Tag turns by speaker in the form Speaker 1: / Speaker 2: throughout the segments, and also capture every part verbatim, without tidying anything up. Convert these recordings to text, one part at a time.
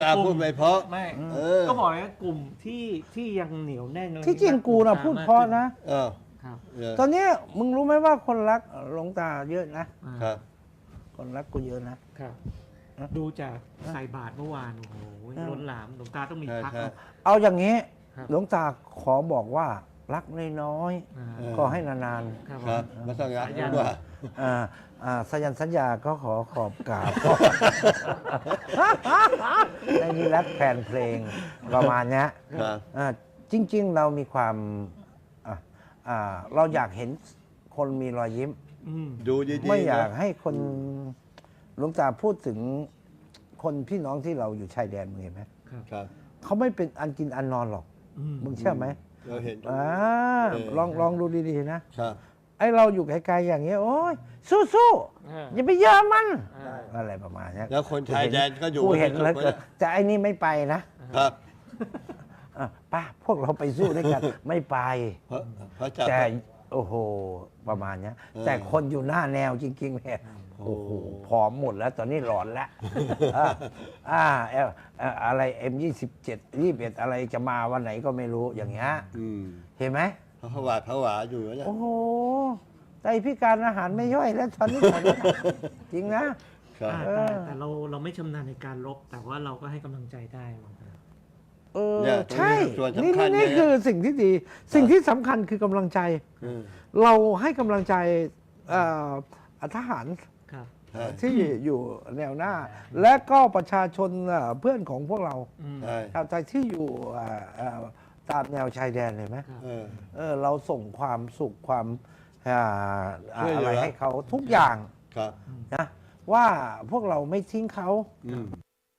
Speaker 1: ตาพูดไม่เพราะ
Speaker 2: ไม่
Speaker 1: เออ
Speaker 2: ก็บอกเลยนะกลุ่มที่ที่ยังเหนียวแน่น
Speaker 3: ที่จริงกูนะพูดเพราะนะ
Speaker 1: เออ
Speaker 2: ครับ
Speaker 1: เออ
Speaker 3: ตอนนี้มึงรู้ไหมว่าคนรักหลวงตาเยอะนะ
Speaker 2: อ่า
Speaker 1: ครับ
Speaker 3: คนรักกูเยอะนะ
Speaker 2: ครับ
Speaker 3: อ่ะ
Speaker 2: ดูจากใส่บาตรเมื่อวานโอ้โห
Speaker 3: อ่ะ
Speaker 2: ล้นหลามหลวงตาต้องมี
Speaker 1: ใช่
Speaker 2: พัก
Speaker 1: ใช่
Speaker 2: นะ
Speaker 3: เอาอย่างนี้
Speaker 2: ครับ
Speaker 3: หลวงตาขอบอกว่ารักน้อย
Speaker 2: อ่า
Speaker 1: เออ
Speaker 3: ๆก็ให้นาน
Speaker 2: ครับ
Speaker 1: ครับมาสังกัด
Speaker 2: สายัน
Speaker 1: ว่า
Speaker 3: ๆอ่าอ่าสัญญาสัญญาก็ขอขอบกราบ ในนี้รักแฟนเพลงประมาณเนี้ย
Speaker 1: ครับ
Speaker 3: อ่าจริง ๆ เรามีความอ่ะอ่าเราอยากเห็นคนมีรอยยิ้ม
Speaker 2: อืม
Speaker 1: ดูดีๆ
Speaker 3: ไม่อยาก
Speaker 1: นะ
Speaker 3: ให้คนหลวงตาพูดถึงคนพี่น้องที่เราอยู่ชายแดนมึงเห็นไหม
Speaker 2: ครับ
Speaker 1: ครับ
Speaker 3: เขาไม่เป็นอันกินอันนอนหรอก
Speaker 2: อืม
Speaker 3: มึงเชื่อไหม
Speaker 1: เราเห็น
Speaker 3: อ่า
Speaker 1: เออ
Speaker 3: ลองลองดูดีๆนะครับ ไอเราอยู่ไกลๆอย่างเงี้ยโอ้ยสู้
Speaker 2: อ่า
Speaker 3: ๆอย่าไปเยอะมัน
Speaker 2: อ่า
Speaker 3: อะไรประมาณเนี้ย
Speaker 1: แล้วคนชายแดนก็อยู่
Speaker 3: กูเห็น
Speaker 1: ไม่
Speaker 3: แล้ว
Speaker 1: ถูก
Speaker 3: เกินแต่ไอ้นี่ไม่ไปนะครับ อ่ะป้าพวกเราไปสู้ด้วยกัน ไม่ไป
Speaker 1: เพราะเพราะจับ
Speaker 3: แต่โอ้โหประมาณเนี้ย
Speaker 1: เออ
Speaker 3: แต่คนอยู่หน้าแนวจริงๆเนี่ยโอ้โหผอมหมดแล้วตอนนี้หลอนแล้วอ่าอ่าเอลเอ่ออะไร เอ็ม ยี่สิบเจ็ด ยี่สิบเอ็ดอะไรจะมาวันไหนก็ไม่รู้อย่างเงี้ย
Speaker 1: อืม
Speaker 3: เห็นไหม
Speaker 1: เขาผวาดผวาอยู่แล้วเนี่ย
Speaker 3: โอ้โหไตพิการอาหารไม่ย่อยแล้วตอนนี้หมดแล้วนะจริงนะ
Speaker 1: ครับ
Speaker 2: อ่า
Speaker 3: เอ
Speaker 2: แต่
Speaker 3: อ
Speaker 2: แต่เราเราไม่ชำนาญในการลบ แต่ว่าเราก็ให้กำลังใจได้หลวงตา
Speaker 3: เออ
Speaker 1: เนี่ยตรงนี้
Speaker 3: ใช่
Speaker 1: ส่วน
Speaker 3: นี่
Speaker 1: สำคัญ
Speaker 3: นี่
Speaker 1: เลย
Speaker 3: คือสิ่งที่ดี สิ่งที่สำคัญคือกำลังใจ
Speaker 1: อืม
Speaker 3: เราให้กำลังใจเอ่อทหาร
Speaker 2: ครับ
Speaker 1: ใช่
Speaker 3: ที่อยู่แนวหน้า และก็ประชาชนเอ่อเพื่อนของพวกเรา
Speaker 2: อืม
Speaker 1: ใช่
Speaker 3: ชาวไทยที่อยู่เอ่อเอ่อตามแนวชายแดนเห็นไหม
Speaker 2: ครับ
Speaker 1: เออ
Speaker 3: เออเราส่งความสุขความอ่า
Speaker 1: ช่วยเหลืออ
Speaker 3: อะไรให้เขาทุกอย่าง
Speaker 1: ครับ
Speaker 3: นะว่าพวกเราไม่ทิ้งเขา
Speaker 1: อืม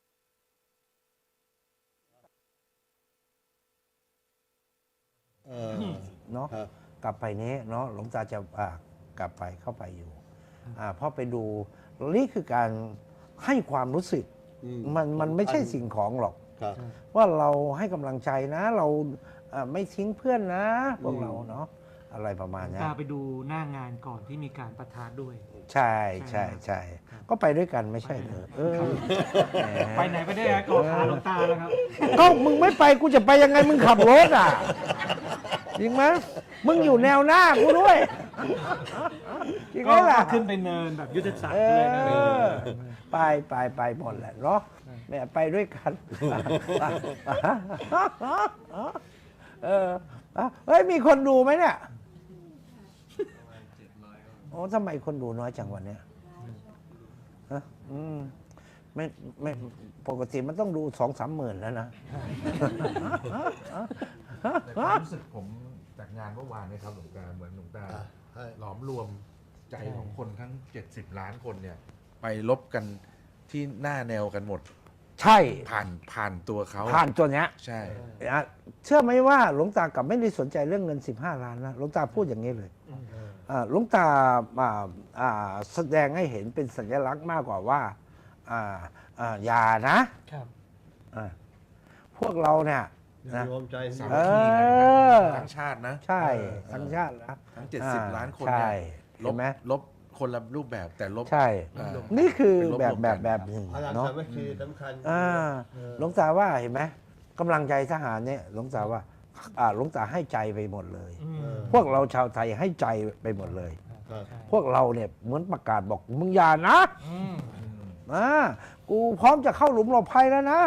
Speaker 1: เออ
Speaker 3: เนาะ
Speaker 1: ครับ
Speaker 3: กลับไปนี้เนาะหลวงตาจะอ่ากลับไปเข้าไปอยู่อ่าเพราะไปดูนี่คือการให้ความรู้สึก
Speaker 1: อืม
Speaker 3: มันมันไม่ใช่สิ่งของหรอก
Speaker 1: ครับ
Speaker 3: ว่าเราให้กำลังใจนะ เราเอ่อไม่ทิ้งเพื่อนนะพวก
Speaker 1: อืม
Speaker 3: เราเนาะอะไรประมาณ
Speaker 2: หลวง
Speaker 3: เนี้ย
Speaker 2: ตาไปดูหน้างานก่อนที่มีการประทะด้วย
Speaker 3: ใช่ใช่ใช่ก็ไปด้วยกันไม่ใช่เหรอเออแหม
Speaker 2: ไปไหนไปได้ฮะกอดขาหลวงตาแล้วครับ
Speaker 3: ก็มึงไม่ไปกูจะไปยังไงมึงขับรถอ่ะจริงไหมมึงอยู่แนวหน้ากูด้วยจริงไหม
Speaker 2: ก็
Speaker 3: ล่ะ
Speaker 2: ขึ้นไปเนินแบบยุทธศาสต
Speaker 3: เอ
Speaker 2: ร์เลยนะ
Speaker 3: อไปไปไปหมดแหละเนาะแม่ไปด้วยกันเออเฮ้ยมีคนดูไหมเนี่ยโอ้ทำไมคนดูน้อยจังวันเนี้ยฮะอืมไม่ไม่ปกติมันต้องดูสองสามหมื่นแล้วนะ
Speaker 4: แต่ความรู้สึกผมจากงานเมื่อวานเนี่ยครับหลวงตาเหมือนหลวงตา
Speaker 1: อ่าใช่
Speaker 4: หลอมรวมใจของคนทั้ง เจ็ดสิบ ล้านคนเนี่ย ไปลบกันที่หน้าแนวกันหมด
Speaker 3: ใช่
Speaker 4: ผ่านผ่านตัวเขา
Speaker 3: ผ่านตัวเนี้ย
Speaker 4: ใช่
Speaker 3: นะเชื่อไหมว่าหลวงตากลับไม่ได้สนใจเรื่องเงินสิบห้าล้านนะหลวงตาพูดอย่างนี้เลยอ่าหลวงตาอ่าอ่าแสดงให้เห็นเป็นสัญลักษณ์มากกว่าว่าอ่าอ่าอย่านะครับ อ่าพวกเราเนี่ยนะ
Speaker 1: รวมใจ
Speaker 4: สา
Speaker 3: เอ
Speaker 4: มัคคี
Speaker 3: อ
Speaker 4: ทั้งชาตินะ
Speaker 3: ใช่
Speaker 4: เออ
Speaker 3: ทั้งชาตินะ
Speaker 4: ทั้ง เจ็ดสิบ ล้านคน
Speaker 3: ใช่
Speaker 4: เนี่ยล
Speaker 3: เห็
Speaker 4: บ
Speaker 3: นไหม
Speaker 4: ลบคนละรูปแบบแต่ลบ
Speaker 3: ใช่
Speaker 4: อ่า
Speaker 3: นี่คือ
Speaker 4: เป็นลบ
Speaker 3: แบบ
Speaker 4: รวม
Speaker 3: แบ
Speaker 4: กับ น
Speaker 3: แบบหนึ่ง
Speaker 1: พลัง
Speaker 3: เนาะ
Speaker 1: สามัคคีสำคัญ
Speaker 3: อ่า
Speaker 1: เออ
Speaker 3: หลวงตาว่าเห็นไหมกำลังใจทหารเนี่ยหลวงตาว่าอ่าหลวงตาให้ใจไปหมดเลย
Speaker 2: อืม
Speaker 1: เออ
Speaker 3: พวกเราชาวไทยให้ใจไปหมดเลย
Speaker 1: ครับ
Speaker 2: ใช่
Speaker 3: พวกเราเนี่ยเหมือนประกาศบอกมึงอย่านะ
Speaker 2: อืม
Speaker 3: อ่ากูพร้อมจะเข้าหลุมหลบภัยแล้วนะ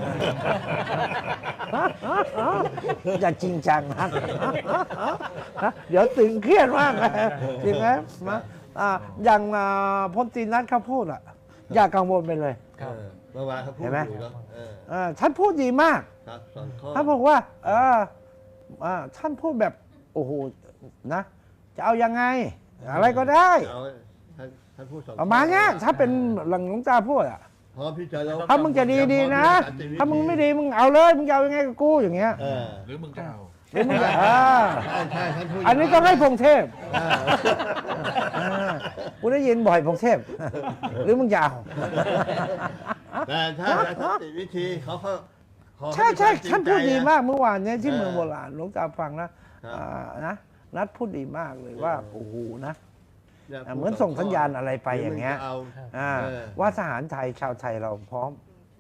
Speaker 3: อย่าจริงจังนะเดี๋ยวตึงเครียดมากเลยจริงไหมมาอ่าอย่างอ่าพลตรีนัทเขาพูดอ่ะ อย่ากังวลไปเลย
Speaker 1: เออเมื่อวานเขาพูด
Speaker 3: เห็นไหม
Speaker 1: อยู่เนาะเออ
Speaker 3: อ่าท่านพูดดีมาก
Speaker 1: ครับสองข้อ
Speaker 3: ท่านบอกว่าเอออ่าท่านพูดแบบโอ้โหนะ จะเอายังไง อะไรก็ได้
Speaker 1: เอาท่านท่านพูดสอง
Speaker 3: ประมาณเนี้ยถ้าเป็นหลังหลวงตาพูดอ่ะ
Speaker 1: พร้อมที่จะเรา
Speaker 3: ถ้ามึงจะดีดีๆนะ ถ้ามึงไม่ดีมึงเอาเลยมึงจะเอายังไงกับกูอย่างเงี้ย
Speaker 1: เออ
Speaker 4: หรือมึงจะเอา
Speaker 3: หรือมึงจะอ่า
Speaker 1: ใช่ใช่ท่านพูด
Speaker 3: อันนี้ต้องให้พงเทพ
Speaker 1: อ่า
Speaker 3: อ่ากูได้ยินบ่อยพงเทพ หรือมึงจะเอา
Speaker 1: แต่ถ้าสันติวิธีเขาเขาขอ
Speaker 3: ใช่ใช่
Speaker 1: ห้
Speaker 3: ท่าน
Speaker 1: จริ
Speaker 3: พู
Speaker 1: ง
Speaker 3: ด
Speaker 1: ใจ
Speaker 3: ดี
Speaker 1: นะ
Speaker 3: มากเมื่อวานเนี้ยที่
Speaker 1: เออ
Speaker 3: เมืองโบราณหลวงตาฟังนะครับ อ่านะนัดพูดดีมากเลยว่า
Speaker 1: เออ
Speaker 3: โอ้โหนะ
Speaker 1: เนี่ย
Speaker 3: อ่าเหมือนส่งสัญญาณอะไรไปอย่างเงี้ย
Speaker 1: หรืมึจะเอา
Speaker 3: อ่า
Speaker 1: เออ
Speaker 3: ว่าทหารไทยชาวไทยเราพร้อม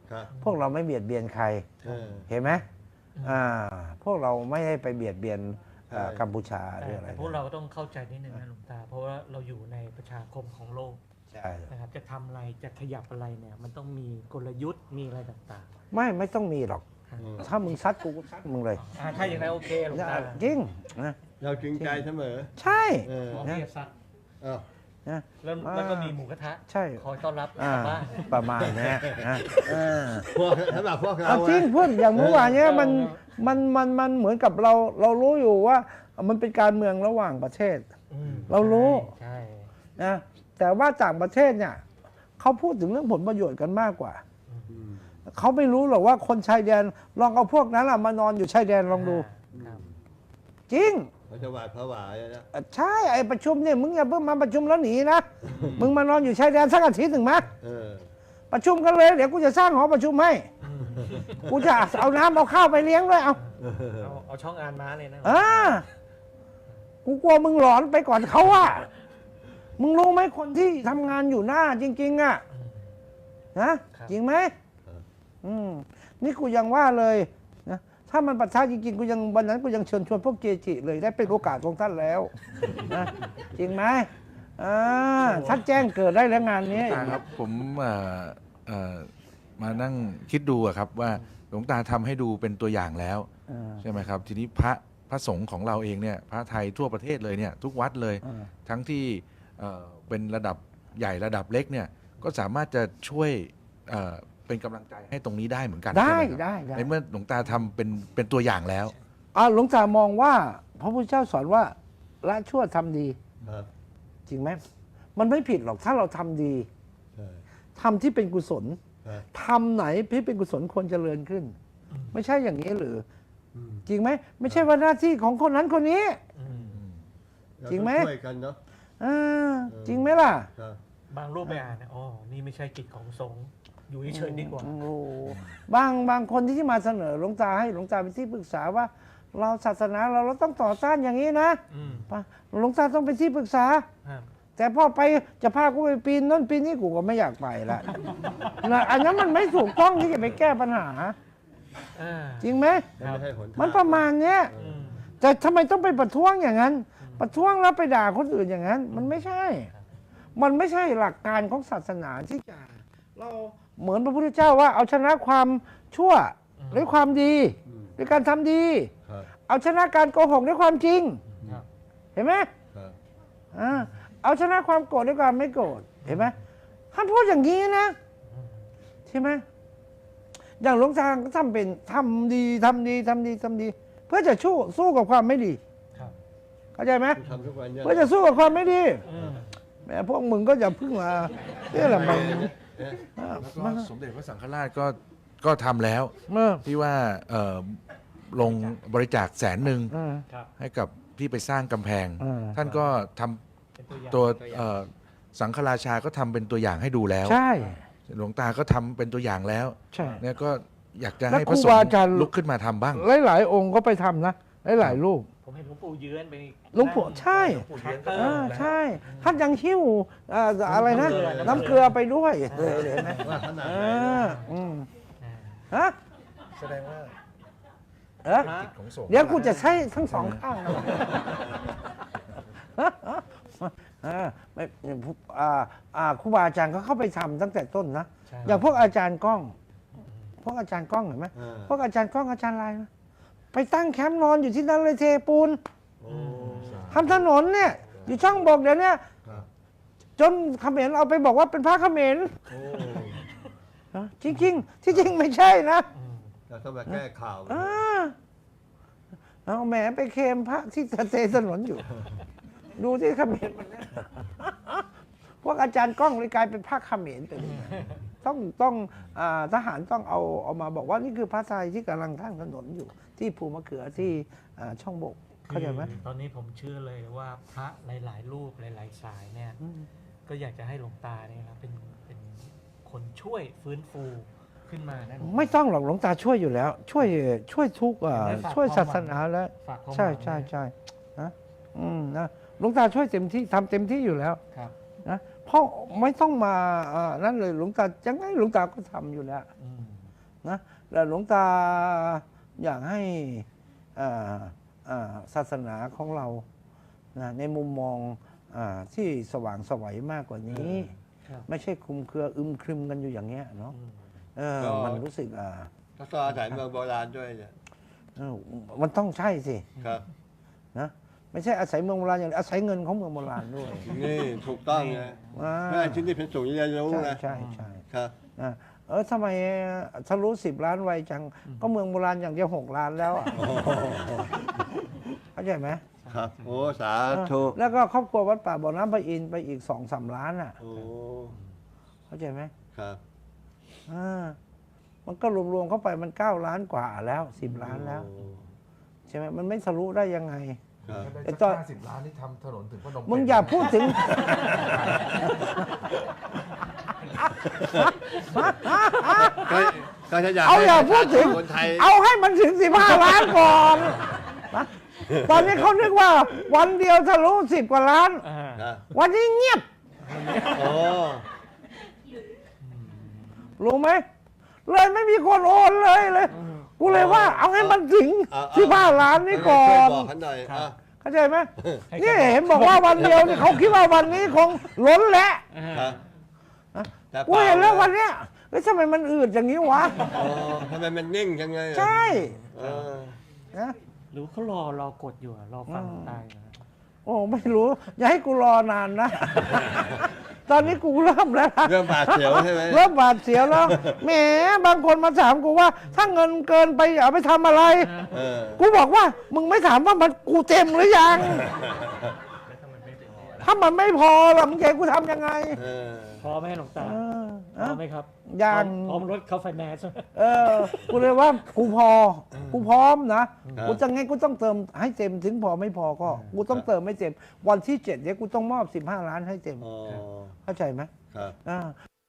Speaker 1: ครับ
Speaker 3: พวกเราไม่เบียดเบียนใคร
Speaker 1: เออ
Speaker 3: เห็นไหมอ่าพวกเราไม่ได้ไปเบียดเบียนเอ่อ
Speaker 1: ใช่
Speaker 3: กัมพูชาห
Speaker 2: แต่
Speaker 3: รืออะไร
Speaker 2: แต่พวกเราก็ต้องเข้าใจนิดนึงนะหลวงตา เพราะว่าเราอยู่ในประชาคมของโลก
Speaker 3: ใช่
Speaker 2: นะครับจะทำอะไรจะขยับอะไรเนี่ยมันต้องมีกลยุทธ์มีอะไรต่าง
Speaker 3: ไม่ไม่ต้องมีหรอก
Speaker 1: อืม
Speaker 3: ถ้ามึงซัดกูกูซัดมึงเลย
Speaker 2: ๆอ่าถ้าอย่างไรโอเคหลวงตา
Speaker 3: จริงนะ
Speaker 1: เราจริงใจเสมอ
Speaker 3: ใช่
Speaker 1: เออ
Speaker 2: หมอพี่ซัด
Speaker 1: อ้าว
Speaker 3: นะ
Speaker 2: แล้วแล้วก็มีหมูกระทะ
Speaker 3: ใช่
Speaker 2: คอยต้อนรับ
Speaker 3: อ่าก
Speaker 2: ลับบ้าน
Speaker 3: ประมาณเนี้ยนะเออ
Speaker 1: พวกสำหรับพวกเรา
Speaker 3: เอาจริง
Speaker 1: อะ
Speaker 3: เพื่อนอย่างเมื่อวานเนี้ย
Speaker 2: เออ
Speaker 3: มันมันมันมันเหมือนกับเราเรารู้อยู่ว่ามันเป็นการเมืองระหว่างประเทศ
Speaker 2: อืม
Speaker 3: เรารู้
Speaker 2: ใช่
Speaker 3: นะแต่ว่าต่างประเทศเนี่ยเขาพูดถึงเรื่องผลประโยชน์กันมากกว่า
Speaker 1: อืม
Speaker 3: เขาไม่รู้หรอกว่าคนชายแดนลองเอาพวกนั้นอะมานอนอยู่ชายแดนลองดู
Speaker 2: ครับ
Speaker 3: จริง
Speaker 1: เขาจะหวาดผวาเลยนะ
Speaker 3: เอ่อใช่ไอ้ประชุมเนี่ยมึงอย่าเพิ่งมาประชุมแล้วหนีนะมึงมานอนอยู่ชายแดนสักอาทิตย์หนึ่งไหม
Speaker 1: เออ
Speaker 3: ประชุมกันเลยเดี๋ยวกูจะสร้างหอประชุมให้กูจะเอาน้ำเอาข้าวไปเลี้ยงด้วยเอา
Speaker 2: เอาเอาช่องอ่านม้าเลยนะ
Speaker 3: อ่ากูกลัวมึงหลอนไปก่อนเขาอะมึงรู้ไหมคนที่ทำงานอยู่หน้าจริง ๆอะนะจริงไหมอืมนี่กูยังว่าเลยนะถ้ามันประชาจริงๆกูยังวันนั้นกูยังเชิญชวนพวกเกจิเลยได้เป็นโอกาสของท่านแล้วนะจริงไหมอ่าท่านแจ้งเกิดได้แล้วงานนี้
Speaker 4: ตาครับผมเอ่อเอ่อมานั่งคิดดูอะครับว่าหลวงตาทำให้ดูเป็นตัวอย่างแล้ว
Speaker 3: อ่า
Speaker 4: ใช่ไหมครับ ทีนี้พระพระสงฆ์ของเราเองเนี่ยพระไทยทั่วประเทศเลยเนี่ยทุกวัดเลย
Speaker 3: อ่า
Speaker 4: ทั้งที่เอ่อเป็นระดับใหญ่ระดับเล็กเนี่ยก็สามารถจะช่วยเอ่อเป็นกำลังใจให้ตรงนี้ได้เหมือนกัน
Speaker 3: ได้
Speaker 4: ใช่หมครับ
Speaker 3: ได้ได้
Speaker 4: ในเมื่อหลวงตาทำเป็นเป็นตัวอย่างแล้ว
Speaker 3: อ่าหลวงตามองว่าพระพุทธเจ้าสอนว่าละชั่วทำดี
Speaker 1: ครับ
Speaker 3: จริงไหมมันไม่ผิดหรอกถ้าเราทำดี
Speaker 1: ใช่
Speaker 3: ทำที่เป็นกุศล
Speaker 1: ครับ
Speaker 3: ทำไหนที่เป็นกุศลควรเจริญขึ้น ไม่ใช่อย่างนี้หรือ
Speaker 1: อืม
Speaker 3: จริงไหมไม่ใช่ว่าหน้าที่ของคนนั้นคนนี้
Speaker 2: อืม
Speaker 1: เรา
Speaker 3: จริงไหม
Speaker 1: ต้องช่วยกันเนาะ
Speaker 3: อ่าจริงไหมล่ะ
Speaker 1: ครับ
Speaker 2: บางรูปไปอ่านเนี่ยอ๋อนี่ไม่ใช่กิจของสงฆ์อยู่เฉยๆดีกว่า
Speaker 3: โอ้โหบางบางคนที่มาเสนอหลวงตาให้หลวงตาเป็นที่ปรึกษาว่า เราศาสนาเราเราต้องต่อต้านอย่างนี้นะ
Speaker 2: อืม
Speaker 3: หลวงตาต้องเป็นที่ปรึกษา
Speaker 2: ครับ
Speaker 3: แต่พอไปจะพากูไปปีนนั่นปีนนี่กูก็ไม่อยากไปละนะอันนั้นมันไม่ถูกต้องที่จะไปแก้ปัญหา
Speaker 2: อ่า
Speaker 3: จริงไหม
Speaker 1: มันไม่ใช่หนทาง
Speaker 3: มันประมาณเนี้ย
Speaker 2: อืม
Speaker 3: แต่ทำไมต้องไปประท้วงอย่างนั้น ประท้วงแล้วไปด่าคนอื่นอย่างนั้น มันไม่ใช่ มันไม่ใช่หลักการของศาสนาที่จะเราเหมือนพระพุทธเจ้าว่าเอาชนะความชั่วด้วยความดี
Speaker 1: อืม
Speaker 3: ด้วยการทำดี
Speaker 1: ครับ
Speaker 3: เอาชนะการโกหกด้วยความจริง
Speaker 2: ครับ
Speaker 3: เห็นไหม
Speaker 1: ครับ
Speaker 3: อ่าเอาชนะความโกรธด้วยความไม่โกรธเห็นไหมท่านพูดอย่างนี้นะใช่ไหมอย่างหลวงตาก็ทำเป็นทำดีทำดีทำดีทำดี เพื่อจะสู้สู้กับความไม่ดี
Speaker 2: ครับ
Speaker 3: เข้าใจไหม
Speaker 1: ทำทุกวันเนี่ย
Speaker 3: เพื่อจะสู้กับความไม่ดี
Speaker 2: อืม
Speaker 3: แหมพวกมึงก็อย่าพึ่งมาเนี่ยแหละมัน
Speaker 1: เนี่ย
Speaker 3: อ่า
Speaker 4: แล้วก็
Speaker 3: มัน
Speaker 4: สมเด็จพระสังฆราชก็ก็ทำแล้ว
Speaker 3: เมื่อ
Speaker 4: ที่ว่าเอ่อลงบริจาคแสนหนึ่ง
Speaker 3: อ่า
Speaker 2: ครับ
Speaker 4: ให้กับที่ไปสร้างกำแพง
Speaker 3: อ่า
Speaker 4: ท่านก็ทำ
Speaker 2: เป็นตัวอย่าง
Speaker 4: ตัว
Speaker 2: เป็นอย่าง
Speaker 4: เอ่อสังฆราชาก็ทำเป็นตัวอย่างให้ดูแล้ว
Speaker 3: ใช่
Speaker 4: หลวงตาก็ทำเป็นตัวอย่างแล้ว
Speaker 3: ใช่
Speaker 4: เนี่ยก็อยากจะ
Speaker 3: แล้ว
Speaker 4: ให้พระส
Speaker 3: ครู
Speaker 4: ง
Speaker 3: บา
Speaker 4: ฆ์
Speaker 3: อาจารย์
Speaker 4: ลุกขึ้นมาทำบ้าง
Speaker 3: หลายๆองค์ก็ไปทำนะหลายๆรูป
Speaker 2: ผมเห็นหลวงปู่เยือนไป
Speaker 3: หลวงปู่ใช่
Speaker 2: หลวงปู่เยือนก็
Speaker 3: อ่าใช่ ท่านยังหิ้วอ่าอะไรนะ น้ำเกลือไปด้วยเลยเห็นไหม
Speaker 1: ว่าขนาดไหน
Speaker 3: อ่า
Speaker 1: นะ
Speaker 3: อืม
Speaker 2: อ่า
Speaker 3: ฮะ
Speaker 4: แสดงว่า
Speaker 3: เอ๊ะ
Speaker 4: กิจของสงฆ์
Speaker 3: เดี๋ยวกูจะใช้ทั้งสองข้างนะอ่าไม่อ่าอ่าครูบาอาจารย์ก็เข้าไปทำตั้งแต่ต้นนะ
Speaker 2: ใช่
Speaker 3: อย่างพวกอาจารย์ก้อง พวกอาจารย์ก้องเห็นไหม
Speaker 1: อ่า
Speaker 3: พวกอาจารย์ก้องอาจารย์อะไรนะไปตั้งแคมป์นอนอยู่ที่นั่นเลยเทปูน
Speaker 1: โอ้
Speaker 3: ทำถนนเนี่ย อยู่ช่องบอกเดี๋ยวเนี้
Speaker 1: ครับ
Speaker 3: จนเขมรเอาไปบอกว่าเป็นพระเขมร
Speaker 1: โอ้
Speaker 3: จริงๆ ที่จริงไม่ใช่นะ
Speaker 2: อืม
Speaker 1: เราต้องมาแก้ข่าว
Speaker 3: อ่าเอาแหมไปเคลมพระที่เทถนนอยู่ ดูที่เขมรมันเนี่ยพวกอาจารย์ก้องเลยกลายเป็นพระเขมรไปเลยต้องต้องอาทหารต้องเอาเอามาบอกว่านี่คือพระไทยที่กำลังทั้งถนนอยู่ ที่ภูมะเขือที่อ่าช่องบกเข้าใจไหม
Speaker 2: คือตอนนี้ผมเชื่อเลยว่าพระหลาย ๆ รูปหลาย ๆ สายเนี่ย ก็อยากจะให้หลวงตาเนี่ยนะเป็นเป็นคนช่วยฟื้นฟูขึ้นมานะ
Speaker 3: ไม่ต้องหรอกหลวงตาช่วยอยู่แล้ว ช่วยช่วยทุกอ่า
Speaker 2: ได้ฝาก
Speaker 3: ช่วย
Speaker 2: ความ
Speaker 3: ศาสนาแล้ว
Speaker 2: ฝากความห
Speaker 3: ใช่
Speaker 2: วัง
Speaker 3: ใช่
Speaker 2: ไว้
Speaker 3: ใช่นะอืมนะหลวงตาช่วยเต็มที่ทำเต็มที่อยู่แล้ว
Speaker 2: ครับ
Speaker 3: นะเพราะไม่ต้องมาอ่านั่นเลยหลวงตายังไงหลวงตาก็ทำอยู่แล้ว
Speaker 2: อืม
Speaker 3: นะแล้วหลวงตาอยากให้อ่าอ่าศาสนาของเรานะในมุมมองอาที่สว่างไสวัยมากกว่านี้
Speaker 2: ครับ
Speaker 3: ไม่ใช่คลุมเครืออึมครึมกันอยู่อย่างเงี้ยเนาะ
Speaker 2: อืม
Speaker 3: เออ
Speaker 1: ก็
Speaker 3: มันรู้สึกอ่า
Speaker 1: ก็ต้องอาศัยเมืองโบราณด้วยเนี่ย
Speaker 3: เออมันต้องใช่สิ
Speaker 1: ครับ
Speaker 3: นะไม่ใช่อาศัยเมืองโบราณอย่างเดียวอาศัยเงินของเมืองโบราณด้วย
Speaker 1: นี่ถูกต้องนะ
Speaker 3: อ่า
Speaker 1: เพื่อให้ที่นี่เป็นศูนย์เรียนรู้
Speaker 3: ใช่
Speaker 1: นะ
Speaker 3: ใช่ใช่
Speaker 1: ครับ
Speaker 3: นะเออทำไมทะลุสิบล้านไวจัง ก็เมืองโบราณอย่างเดียวหกล้านแล้วอะเข้าใจไหม
Speaker 1: ครับโอ้สาธุ
Speaker 3: เออแล้วก็ครอบครัววัดป่าบ่อน้ำพระอินทร์ไปอีกสองสามล้านอ่ะ
Speaker 1: โอ้
Speaker 3: เข้าใจไหม
Speaker 1: ครับ
Speaker 3: อ่ามันก็รวมๆเข้าไปมันเก้าล้านกว่าแล้วสิบล้านแล้ว
Speaker 1: โอ้
Speaker 3: ใช่ไหมมันไม่ทะลุได้ยังไง
Speaker 1: ครับ
Speaker 5: ได้
Speaker 3: ไอ้
Speaker 5: สัก
Speaker 3: ตอน
Speaker 5: ห้าสิบล้านที่ทำถนนถึงพนม
Speaker 3: มึง
Speaker 5: เปญ
Speaker 3: อย่าพูดถึง
Speaker 1: ก็ก็จะอยาก
Speaker 3: เอาอย่า
Speaker 1: ให้
Speaker 3: พูดถึง
Speaker 1: คนไทย
Speaker 3: เอาให้มันถึงสิบห้าล้านก่อนนะตอนนี้เขานึกว่าวันเดียวทะลุสิบกว่าล้าน
Speaker 2: อ่า
Speaker 1: นะ
Speaker 3: วันนี้เงียบ
Speaker 1: โอ้
Speaker 3: รู้ไหมเลยไม่มีคนโอนเลยเลย กูเลยว่า เอาให้มันถึงสิบห้าล้านนี่ก่อ
Speaker 1: ช่วย
Speaker 3: น
Speaker 1: บอกเขาหน่อยอ่ะ
Speaker 3: เข้าใจไหมนี่เห็นบอกว่าวันเดียวนี่เขาคิดว่าวันนี้คงล้นแหละ
Speaker 1: ครับแต่
Speaker 3: กูเห็นแล้ววันเนี้ยเฮ้ยทำไมมันอืดอย่างนี้วะ
Speaker 1: โอ้ทำไมมันนิ่งจังเลยอ่ะ
Speaker 3: ใช่
Speaker 1: เออ
Speaker 3: นะ
Speaker 2: หรือเขารอรอกดอยู่อะรอฟังตายอยู่อะ
Speaker 3: โอ้ไม่รู้ อย่าให้กูรอนานนะ ตอนนี้กูเริ่มแล้วนะ
Speaker 1: เรื่องบาดเสียวใช่ไหม
Speaker 3: เริ่มบาดเสียวแล้วแหมบางคนมาถามกูว่า ถ้าเงินเกินไปเอาไปทำอะไร
Speaker 1: เออ
Speaker 3: กูบอกว่า มึงไม่ถามว่ามันกูเต็มหรือยัง ถ้ามันไม่พอล่ะมึงจะให้กูทำยังไง
Speaker 1: เออ
Speaker 2: พอไหมหลวงตา
Speaker 3: เออ
Speaker 2: พอไหมครับ
Speaker 3: ยัง
Speaker 2: พร้อมรถเข้าไฟแนนซ์
Speaker 3: เออ กูเลยว่ากูพอ กูพร้อมนะ
Speaker 1: ครับ
Speaker 3: กูจะไงกูต้องเติมให้เต็มถึงพอไม่พอก็ กูต้องเติมให้เต็ม วันที่เจ็ดเนี่ยกูต้องมอบสิบห้าล้านให้เต็ม
Speaker 1: อ๋อ
Speaker 3: เข้าใจไหม
Speaker 1: ครับ
Speaker 3: อ่า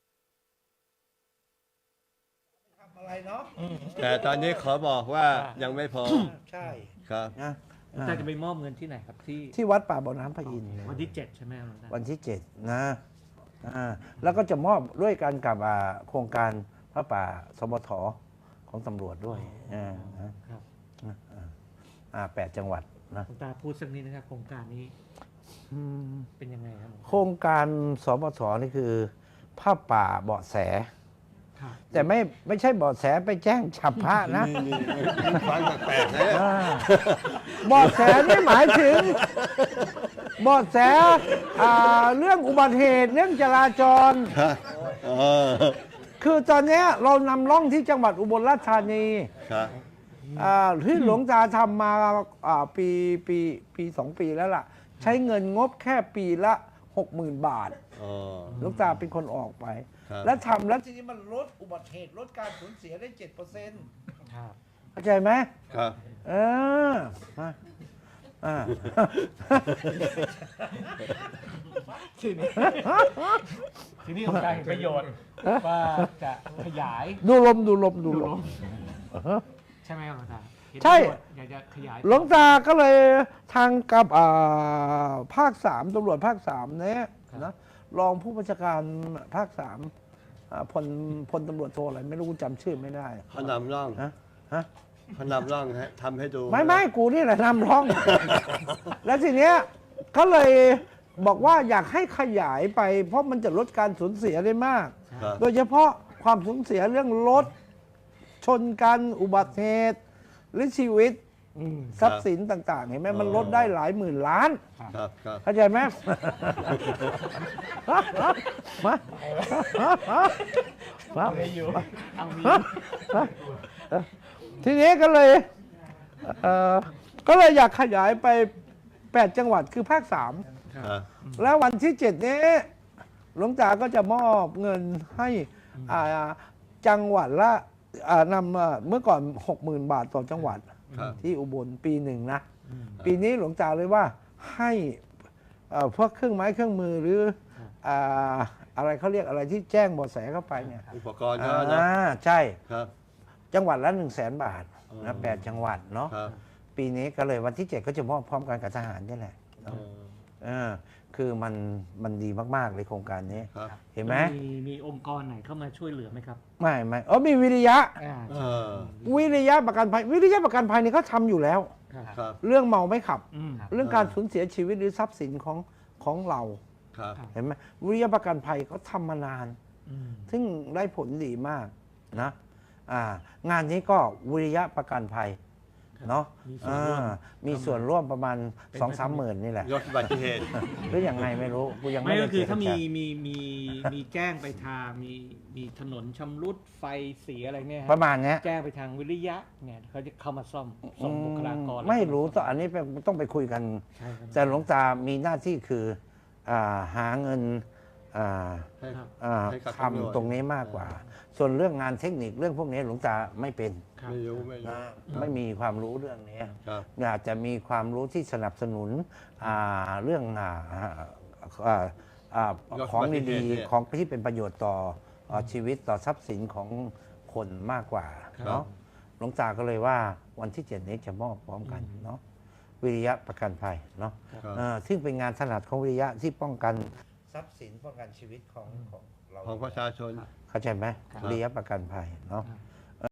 Speaker 3: ทำอะไรเนาะ
Speaker 1: แต่ตอนนี้ขอบอกว่ายังไม่พอ
Speaker 3: ใช่
Speaker 1: ครับ
Speaker 3: นะ
Speaker 2: หลวงตาจะไปมอบเงินที่ไหนครับที่
Speaker 3: ที่วัดป่าบ่อน้ำพระอินทร์
Speaker 2: วันที่เจ็ดใช่ไหมหลวงตา
Speaker 3: วันที่เจ็ดนะอ่าแล้วก็จะมอบด้วยกันกับอ่าโครงการพระป่าสมทของตำรวจด้วยอ่านะครับ อ่าแปดจังหวัดนะ
Speaker 2: หลวงตาพูดสักนิดนะครับโครงการนี้เป็นยังไงครับหลวงตา
Speaker 3: โครงการสมทนี่คือผ้าป่าเบาะแส
Speaker 2: ครับ
Speaker 3: แต่ไม่ไม่ใช่เบาะแสไปแจ้งฉับพระนะ
Speaker 1: นี่นี่นี่ฟังแปลกๆนะ
Speaker 3: อ่าเบาะแสนี่หมายถึงเบาะแสอ่าเรื่องอุบัติเหตุเรื่องจราจร
Speaker 1: ครับเออ
Speaker 3: คือตอนเนี้ยเรานำร่องที่จังหวัดอุบลราชธานี
Speaker 1: ครับ
Speaker 3: อ่าที่หลวงตาทำมาอ่าปีปีปีสองปีแล้วล่ะ ใช้เงินงบแค่ปีละหกหมื่นบาท
Speaker 1: อ๋อ
Speaker 3: หลวงตาเป็นคนออกไป
Speaker 1: ครับ
Speaker 3: แล้วทำแล้วทีนี้มันลดอุบัติเหตุลดการสูญเสียได้เจ็ดเปอร์เซ็นต์
Speaker 2: ครับ
Speaker 3: เข้าใจไหม
Speaker 1: ครับ
Speaker 3: เออมาอ่า
Speaker 2: ทีนี้ทีนี้หลวงตาเห็นประโยชน์ว่าจะขยาย
Speaker 3: ดูลมดูลมดูลม
Speaker 2: ใช่ไหมครับหลวงตาเห็น
Speaker 3: ใช่
Speaker 2: ประโยชน์อยากจะขยาย
Speaker 3: หลวงตาก็เลยทางกับอ่าภาคสามตำรวจภาคสามเนี่ยนะรองผู้บัญชาการภาคสามอ่าพลพลตำรวจโทอะไรไม่รู้จำชื่อไม่ได้
Speaker 1: เขานำร่อง
Speaker 3: ฮะฮะ
Speaker 1: เขานำร่องให้ทำให้ดู
Speaker 3: ไม่ไม่กูนี่แหละนำร้อง แล้วทีเนี้ยเขาเลยบอกว่าอยากให้ขยายไป เพราะมันจะลดการสูญเสียได้มาก
Speaker 1: ครับ
Speaker 3: โดยเฉพาะความสูญเสียเรื่องรถชนกันอุบัติเหตุหรือชีวิต
Speaker 2: อืม
Speaker 3: ทรัพย์สินต่าง ๆ เห็นไหมมันลดได้หลายหมื่นล้าน
Speaker 1: ครับครับ
Speaker 3: เข้าใจไหม มามา
Speaker 2: ไม่อยู่เอามี
Speaker 3: ทีนี้ก็เลยเอ่อก็เลยอยากขยายไปแปดจังหวัดคือภาคสาม
Speaker 1: ครับ
Speaker 3: แล้ววันที่เจ็ดนี้หลวงตาก็จะมอบเงินให้อ่าจังหวัดละอ่านำอ่าเมื่อก่อนหกหมื่นบาทต่อจังหวัด
Speaker 1: ครับ
Speaker 3: ที่อุบลปีหนึ่งนะ ปีนี้หลวงตาเลยว่าให้เอ่อพวกเครื่องไม้เครื่องมือหรืออ่าอะไรเขาเรียกอะไรที่แจ้งเบาะแสเข้าไปเนี่ย
Speaker 1: อุปกรณ์ก็นะ
Speaker 3: อ่าใช่
Speaker 1: ครับ
Speaker 3: จังหวัดละหนึ่งแสนบาท
Speaker 1: อ๋อ
Speaker 3: นะแปดจังหวัดเนาะ
Speaker 1: ครับ
Speaker 3: ปีนี้ก็เลยวันที่เจ็ดก็จะมอบพร้อมกันกับทหารนี่แหละ
Speaker 1: เออ
Speaker 3: เอเออคือมันมันดีมากๆเลยโครงการนี้
Speaker 1: ครับ
Speaker 3: เห็นไหม
Speaker 2: มีมีองค์กรไหนเข้ามาช่วยเหลือไหมครับ
Speaker 3: ไม่ไม่เออมีวิริยะ
Speaker 2: อ่า
Speaker 1: เออ
Speaker 3: วิริยะประกันภัย วิริยะประกันภัยนี่เขาทำอยู่แล้ว
Speaker 2: ครับ
Speaker 1: ครับ
Speaker 3: เรื่องเมาไม่ขับ
Speaker 2: อืม
Speaker 3: เรื่องการสูญเสียชีวิตหรือทรัพย์สินของของเรา
Speaker 1: ครับ
Speaker 3: เห็นไหมวิริยะประกันภัยเขาทำมานาน
Speaker 2: อืม
Speaker 3: ซึ่งได้ผลดีมากนะอ่างานนี้ก็วิริยะประกันภัยเนาะ
Speaker 2: มีส่วนร่วม
Speaker 3: อ่ามีส่วนร่วมประมาณ
Speaker 2: เป็น
Speaker 3: สองสามหมื่นนี่แหละ
Speaker 1: ยกอุบัติเหตุ
Speaker 3: หรือยังไงไม่รู้กูยัง
Speaker 2: ไม่
Speaker 3: ไม่
Speaker 2: ก็
Speaker 3: ได้
Speaker 2: คือ
Speaker 3: เจร
Speaker 2: ถ้ามี
Speaker 3: จา
Speaker 2: มีมีมีแจ้งไปทางมีมีถนนชำรุดไฟเสียอะไรเนี่ยฮะ
Speaker 3: ประมาณเนี้ย
Speaker 2: แจ้งไปทางวิริยะเนี่ยเขาจะเข้ามาซ่อมส่งบุคลากร
Speaker 3: ไม่รู้ต้องอันนี้เป็นต้องไปคุยกัน
Speaker 2: ใช่ครับ
Speaker 3: แต่หลวงตามีหน้าที่คืออาหาเงินอ่า
Speaker 1: ให้
Speaker 2: ครับ
Speaker 3: อ่า
Speaker 1: ให้กับ
Speaker 3: ทำตรงนี้มากกว่า ส่วนเรื่องงานเทคนิคเรื่องพวกนี้หลวงตาไม่เป็น
Speaker 2: ครับ
Speaker 1: ไม่รู้ไม่รู้
Speaker 3: นะไม่มีความรู้เรื่องนี้
Speaker 1: ครับ
Speaker 3: อยากจะมีความรู้ที่สนับสนุนอ่าเรื่องอ่าอ่าอ่าของดีๆของที่เป็นประโยชน์ต่ออ่าชีวิตต่อทรัพย์สินของคนมากกว่า
Speaker 1: ครับ
Speaker 3: เนาะหลวงตาก็เลยว่าวันที่เจ็ดนี้จะมอบพร้อมกันเนาะวิริยะประกันภัยเนาะ
Speaker 1: ครับ
Speaker 3: เอ่อซึ่งเป็นงานถนัดของวิริยะที่ป้องกันทรัพย์สินป้องกันชีวิตของของเรา
Speaker 1: ของประชาชน
Speaker 3: เข้าใจไหม
Speaker 2: ครับ
Speaker 3: วิริยะประกันภัยเนาะ
Speaker 2: ครับ